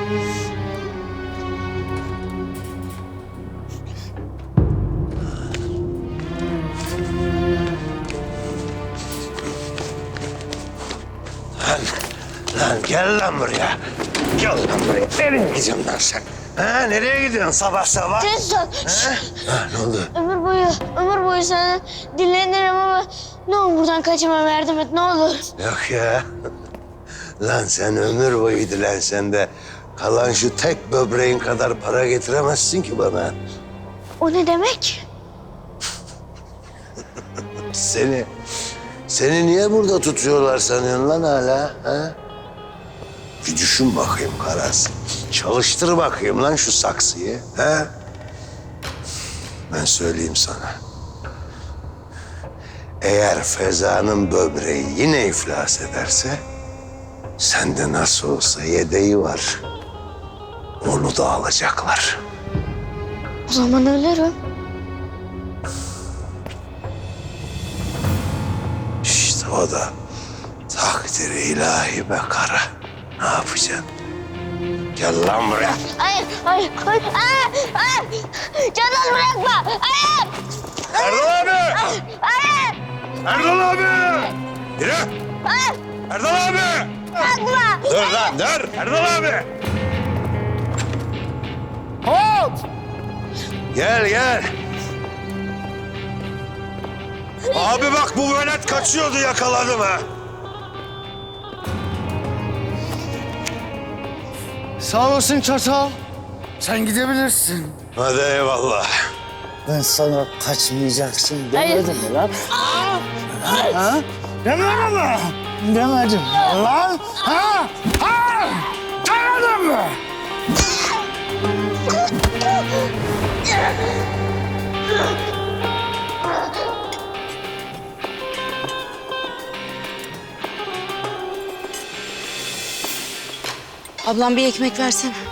Lan gel lan buraya. Gel lan buraya. Nereye gidiyorsun lan sen? Ha, nereye gidiyorsun sabah sabah? Tez ol. Ha, ne oldu? Ömür boyu sana dinlenirim ama ne olur buradan kaçamam, yardım et ne olur. Yok ya. Lan sen ömür boyu dilensen de kalan şu tek böbreğin kadar para getiremezsin ki bana. O ne demek? Seni niye burada tutuyorlar sanıyorsun lan hala? Ha? Bir düşün bakayım Karas. Çalıştır bakayım lan şu saksıyı. Ha? Ben söyleyeyim sana. Eğer Feza'nın böbreği yine iflas ederse... sende nasıl olsa yedeği var. Onu da alacaklar. O zaman ölürüm. İşte o da takdiri ilahi be kara. Ne yapacaksın? Gel lan buraya. Hayır. Canan bırakma. Hayır. Erdal abi! Hayır. Erdal abi! Yürü! Hayır. Erdal abi! Bırakma. Dur lan dur! Erdal abi! Hop! Gel. Abi bak bu velet kaçıyordu, yakaladım ha. Sağ olasın çatal. Sen gidebilirsin. Hadi eyvallah. Ben sana kaçmayacaksın Hayır. demedim mi lan? Ha? Demedim mi? Demedim mi lan? Ha? Ha? Demedim mi? Ablam bir ekmek versene.